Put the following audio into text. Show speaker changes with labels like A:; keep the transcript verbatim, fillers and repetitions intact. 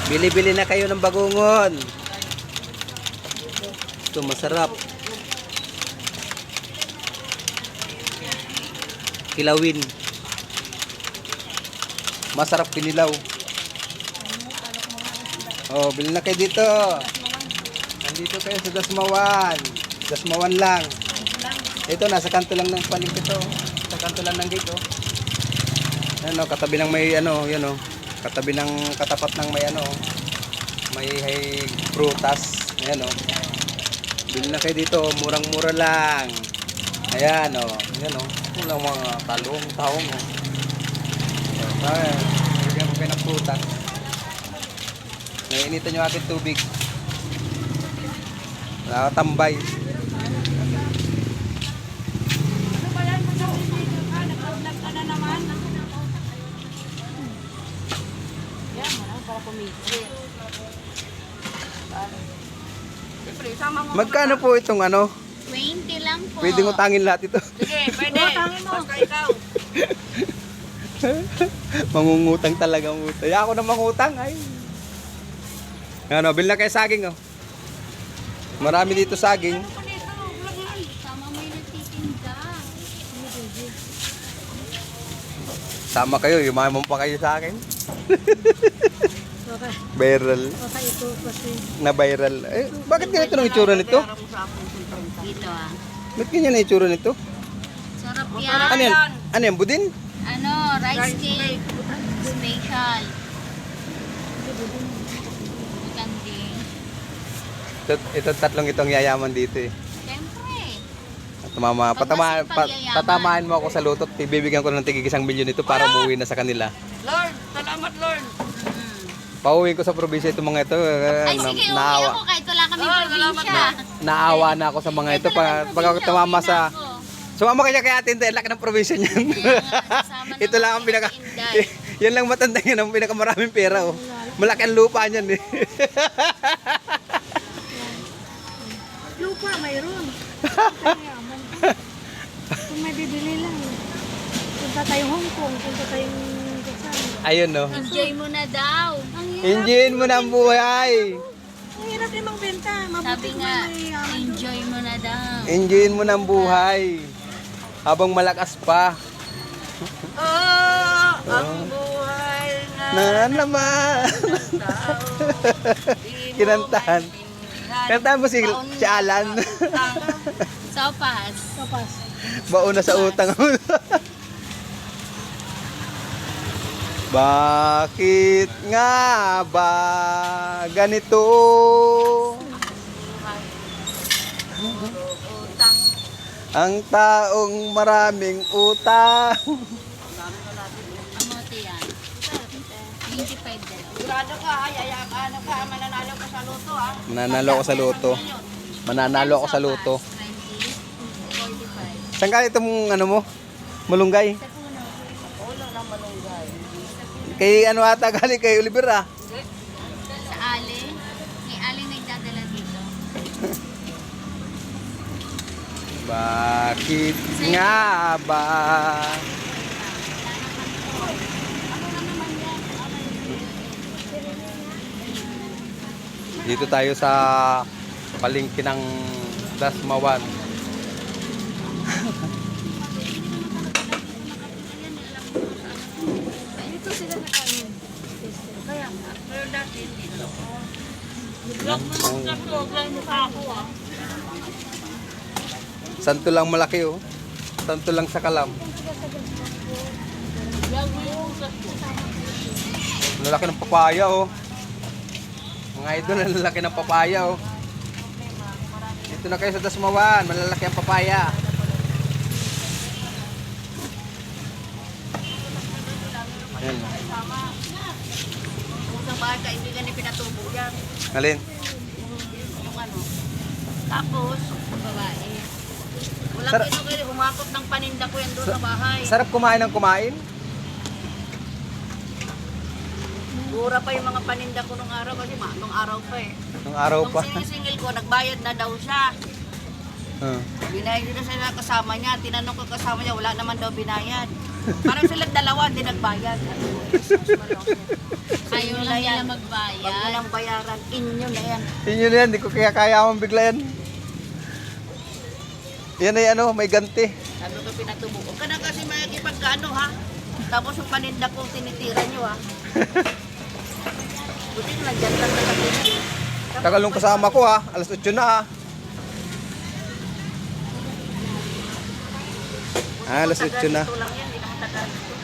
A: Bili-bili na kayo ng bagungon. Ito masarap. Kilawin. Masarap kinilaw. Oh, bili na kayo dito. Nandito kayo sa Dasmawan. Dasmawan lang. Ito, nasa kanto lang ng palengke to. Sa kanto lang ng gate, oh. Ano, katabi ng may ano, yun oh. Katabi ng katapat ng may ano, may hay prutas. Ayan oh. Bili na kayo dito, murang-mura lang. Ayan oh. Ayan oh. Walang mga talong, taong oh. Ayan, bigyan mo kayo ng prutas. Nainitan nyo aking tubig. Nakatambay. Magkano po itong ano?
B: twenty lang po.
A: Pwedeng utangin lahat ito.
C: Sige, pwede. Utangin mo. Basta ikaw.
A: Mangungutang talaga ang utang. Ako na mangutang ay. Ano, bil na kayo saging oh. Marami dito saging.
B: Sama mo yung nagtitinda.
A: Sama kayo, yumaman pa kayo sa akin.
D: Baka,
A: Viral.
D: baka ito kasi.
A: Na viral. Eh, bakit ganito ang itsura nito?
B: Dito ah.
A: Bakit ganyan ang itsura nito?
B: Sarap yan.
A: Ano yan? Ano yan? Budin?
B: Ano, rice cake. Special. Butanding.
A: Ito, ito tatlong itong yayaman dito eh.
B: Siyempre.
A: At mama,
B: Pag
A: patama,
B: masipag
A: pa,
B: yayaman.
A: tatamaan mo ako sa lutot. Ibibigyan ko ng tigig isang milyon ito para umuwi na sa kanila.
C: Lord, salamat Lord.
B: Mm.
A: Pauwiin ko sa probinsya itong mga ito. eh,
B: Ay
A: na-
B: sige, uwi
A: naawa,
B: ako kahit wala kaming
C: Oh, salamat
B: probinsya.
A: naawa na ako sa mga ito. Pa, pag ako tumama sa... Sumama kaya kay Ate Inday, laki ng probinsya niyan. Ito lang ang pinaka... Yan lang matanda yan, ang pinakamaraming pera oh. Malaki ang lupa niyan eh.
D: Lupa, mayroon. Yaman. Kung may bibili lang. Punta tayong Hong Kong, punta tayong Quezon.
A: Ayun no.
B: Enjoy mo na daw.
D: Ang hirap.
A: Enjoyin mo na ang buhay.
D: Ang hirap din magbenta. Mabuti
B: Sabi
D: kung
B: nga,
D: may yaman doon.
B: enjoy mo na daw.
A: Enjoyin mo na ang buhay. Habang malakas pa.
C: Oh, ang buhay
A: Na naman. Kinantahan. Kantahan mo si, si Alan.
B: Sopas.
D: Kapas.
A: Bauna sa utang. Bakit nga ba ganito?
C: Utang.
A: Ang taong maraming utang.
B: Amote yan. twenty-five dalawa.
C: Sigurado ka, ay, ay, ano ka, mananalo ka sa loto ah.
A: Mananalo ako sa loto. Mananalo ako sa loto.
B: twenty, forty-five.
A: Saan ka itong ano mo? Malunggay?
B: Sa puno.
C: Ulo ng malunggay.
A: Kay ano ata galing kay Oliver ah.
B: Sa Ali. May Ali nagdadala dito.
A: Bakit nga ba? Dito tayo sa palengke ng Dasmawan.
D: Dito sila na kanin. Kaya,
C: Pero dati hindi. Vlog mo sa vlog lang mukha ako ah.
A: Santo lang malaki oh. Santo lang sa kalam.
C: Vlog mo yung sa
A: Lalaki ng papaya oh. Mga idol, ang lalaki ng papaya oh. Dito na kayo sa Dasmawan, malalaki ang papaya. Ayan.
C: Kung sa bahay ka, hindi ka ni pinatubo yan.
A: Alin?
C: Yung ano. Tapos,
B: Babae.
C: walang
A: Sar-
C: kinukili, umakot ng paninda ko yan doon sa bahay.
A: Sarap kumain ng kumain.
C: Mura pa yung mga paninda ko nung araw kasi ma, nung araw pa eh.
A: Nung araw
C: Nung
A: pa.
C: sinisingil ko, nagbayad na daw siya.
A: Ah.
C: Binayad dito sa kasama niya. Tinanong ko kasama niya, wala naman daw binayad. Parang silang dalawa, hindi nagbayad.
B: Ayaw lang nila
C: Huwag
B: magbayad.
C: nilang bayaran. Inyo na yan.
A: Yun yun yan, di ko kaya kaya akong bigla yan. Yan ay ano, may ganti.
C: Sabi ko pinatubo. Huwag ka na kasi makikipagkano ha. Tapos yung paninda ko tinitira nyo ha. Buti na dyan lang na kami.
A: Tagal nung kasama ko ha, alas otso na ha. Ah, alas otso na.
C: Ito lang yan, hindi naman tagal.